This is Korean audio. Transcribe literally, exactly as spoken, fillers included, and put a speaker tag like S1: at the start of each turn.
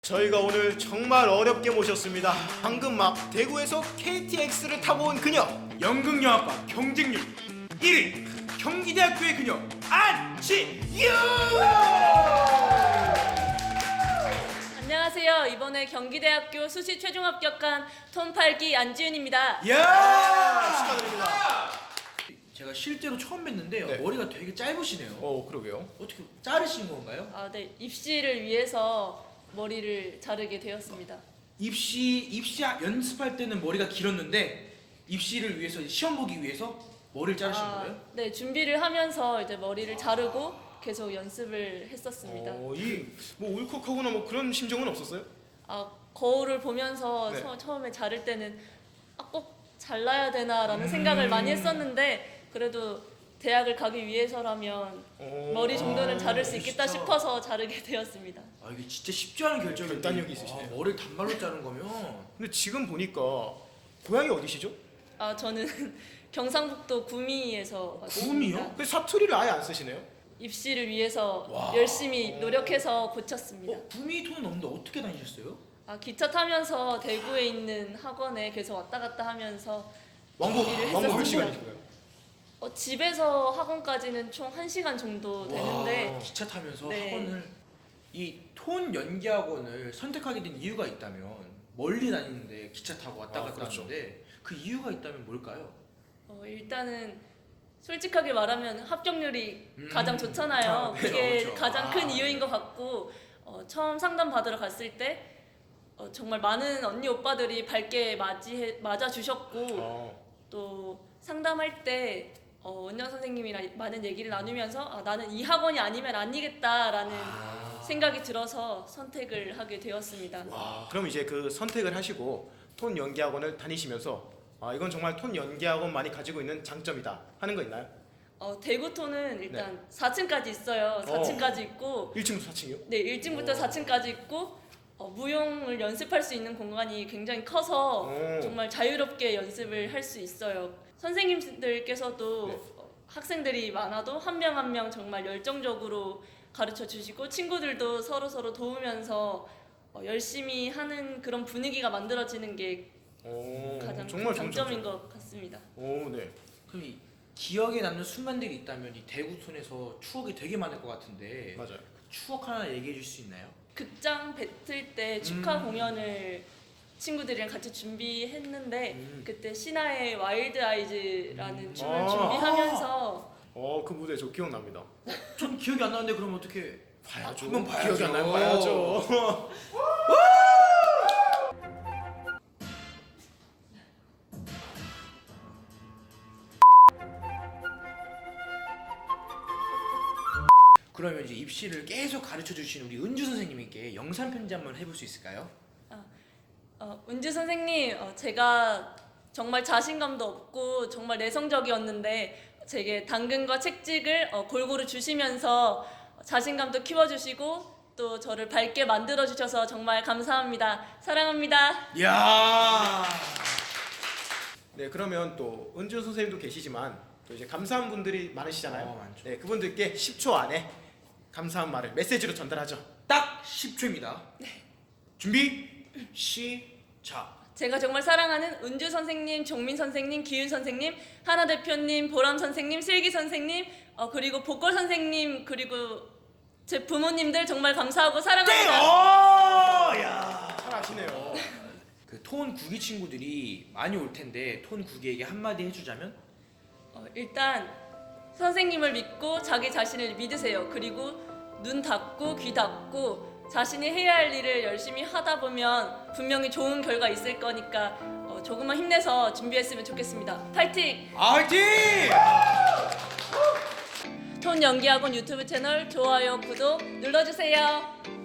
S1: 저희가 오늘 정말 어렵게 모셨습니다. 방금 막 대구에서 케이티엑스를 타고 온 그녀.
S2: 연극영화과 경쟁률 일 위 경기대학교의 그녀 안치유.
S3: 안녕하세요. 이번에 경기대학교 수시 최종 합격한 톤 팔 기 안지윤입니다.
S2: 야
S1: 축하드립니다.
S4: 제가 실제로 처음 뵀는데
S1: 네.
S4: 머리가 되게 짧으시네요.
S1: 어, 그러게요.
S4: 어떻게 자르신 건가요?
S3: 아, 네. 입시를 위해서 머리를 자르게 되었습니다.
S4: 입시 입시 연습할 때는 머리가 길었는데 입시를 위해서 시험 보기 위해서 머리를 자르신
S3: 아,
S4: 거예요?
S3: 네. 준비를 하면서 이제 머리를 자르고 계속 연습을 했었습니다.
S1: 어, 이뭐 울컥하거나 뭐 그런 심정은 없었어요?
S3: 아, 거울을 보면서
S1: 네.
S3: 처, 처음에 자를 때는 아, 꼭 잘라야 되나라는
S1: 음.
S3: 생각을 많이 했었는데 그래도 대학을 가기 위해서라면
S1: 어,
S3: 머리 정도는
S1: 아,
S3: 자를 수 있겠다
S4: 진짜.
S3: 싶어서 자르게 되었습니다.
S4: 아 이게 진짜 쉽지 않은 결정인데
S1: 결단력이 있으시네요.
S4: 아, 머리를 단발로 자른 거면
S1: 근데 지금 보니까 고향이 어디시죠?
S3: 아, 저는 경상북도 구미에서
S4: 구미요?
S3: 왔습니다.
S1: 그 사투리를 아예 안 쓰시네요?
S3: 입시를 위해서
S4: 와.
S3: 열심히 노력해서 고쳤습니다.
S4: 어, 구미 톤은 없는데 어떻게 다니셨어요?
S3: 아, 기차 타면서 대구에 있는 학원에 계속 왔다 갔다 하면서
S1: 왕복
S3: 준비를
S1: 왕복 몇
S3: 했었습니다.
S1: 시간이신가요?
S3: 어, 집에서 학원까지는 총 한 시간 정도 되는데
S4: 와, 기차 타면서
S3: 네.
S4: 학원을 이 톤 연기 학원을 선택하게 된 이유가 있다면 멀리 다니는데 기차 타고 왔다
S1: 아,
S4: 갔다
S1: 그렇죠.
S4: 하는데 그 이유가 있다면 뭘까요?
S3: 어, 일단은 솔직하게 말하면 합격률이
S4: 음.
S3: 가장 좋잖아요.
S4: 아, 그렇죠,
S3: 그게
S4: 그렇죠.
S3: 가장
S4: 아,
S3: 큰
S4: 네.
S3: 이유인 것 같고 어, 처음 상담 받으러 갔을 때 어, 정말 많은 언니 오빠들이 밝게 맞이해, 맞아주셨고
S1: 어.
S3: 또 상담할 때 어, 원장 선생님이랑 많은 얘기를 나누면서 아, 나는 이 학원이 아니면 아니겠다라는
S4: 아.
S3: 생각이 들어서 선택을 하게 되었습니다.
S1: 아, 그럼 이제 그 선택을 하시고 톤 연기 학원을 다니시면서 아, 이건 정말 톤 연기 학원만이 가지고 있는 장점이다 하는 거 있나요?
S3: 어, 대구톤은 일단 사 층까지 있어요. 사 층까지 있고
S1: 일 층부터 사 층이요?
S3: 네, 일 층부터
S1: 오.
S3: 사 층까지 있고 어, 무용을 연습할 수 있는 공간이 굉장히 커서
S1: 오.
S3: 정말 자유롭게 연습을 할 수 있어요. 선생님들께서도
S1: 네.
S3: 어, 학생들이 많아도 한 명 한 명 정말 열정적으로 가르쳐 주시고 친구들도 서로 서로 도우면서 어, 열심히 하는 그런 분위기가 만들어지는 게
S1: 오,
S3: 가장
S1: 정말
S3: 큰
S1: 좋은
S3: 장점인
S1: 장점.
S3: 것 같습니다.
S1: 오, 네.
S4: 그럼 이 기억에 남는 순간들이 있다면 이 대구촌에서 추억이 되게 많을 것 같은데
S1: 맞아요.
S4: 추억 하나 얘기해 줄 수 있나요?
S3: 극장 배틀 때 축하
S4: 음.
S3: 공연을 친구들이랑 같이 준비했는데
S1: 음.
S3: 그때 신화의 와일드 아이즈라는
S4: 음.
S3: 춤을
S1: 아.
S3: 준비하면서
S1: 어, 그 무대 저 기억납니다.
S4: 전 기억이 안 나는데 그럼 어떻게
S1: 봐야죠.
S4: 한번 봐야죠.
S1: 기억이 안 나면 봐야죠.
S4: 그러면 이제 입시를 계속 가르쳐 주신 우리 은주 선생님께 영상 편지 한번 해볼 수 있을까요?
S3: 어, 은주 선생님, 어, 제가 정말 자신감도 없고 정말 내성적이었는데 제게 당근과 책찍을 어, 골고루 주시면서 자신감도 키워주시고 또 저를 밝게 만들어 주셔서 정말 감사합니다. 사랑합니다.
S4: 이야.
S1: 네, 그러면 또 은준 선생님도 계시지만 또 이제 감사한 분들이 많으시잖아요.
S4: 어, 많죠.
S1: 네, 그분들께 십 초 안에 감사한 말을 메시지로 전달하죠.
S4: 딱 십 초입니다. 준비 시작.
S3: 제가 정말 사랑하는 은주 선생님, 종민 선생님, 기윤 선생님, 하나 대표님, 보람 선생님, 슬기 선생님, 어, 그리고 보컬 선생님, 그리고 제 부모님들 정말 감사하고
S4: 네!
S3: 사랑합니다.
S4: 오! 야.
S1: 잘하시네요.
S4: 그 톤 구기 친구들이 많이 올 텐데 톤 구기에게 한마디 해주자면?
S3: 어, 일단 선생님을 믿고 자기 자신을 믿으세요. 그리고 눈 닫고 귀 닫고 자신이 해야 할 일을 열심히 하다 보면 분명히 좋은 결과 있을 거니까 어, 조금만 힘내서 준비했으면 좋겠습니다. 파이팅!
S4: 화이팅!
S3: 톤 연기학원 유튜브 채널 좋아요, 구독 눌러주세요.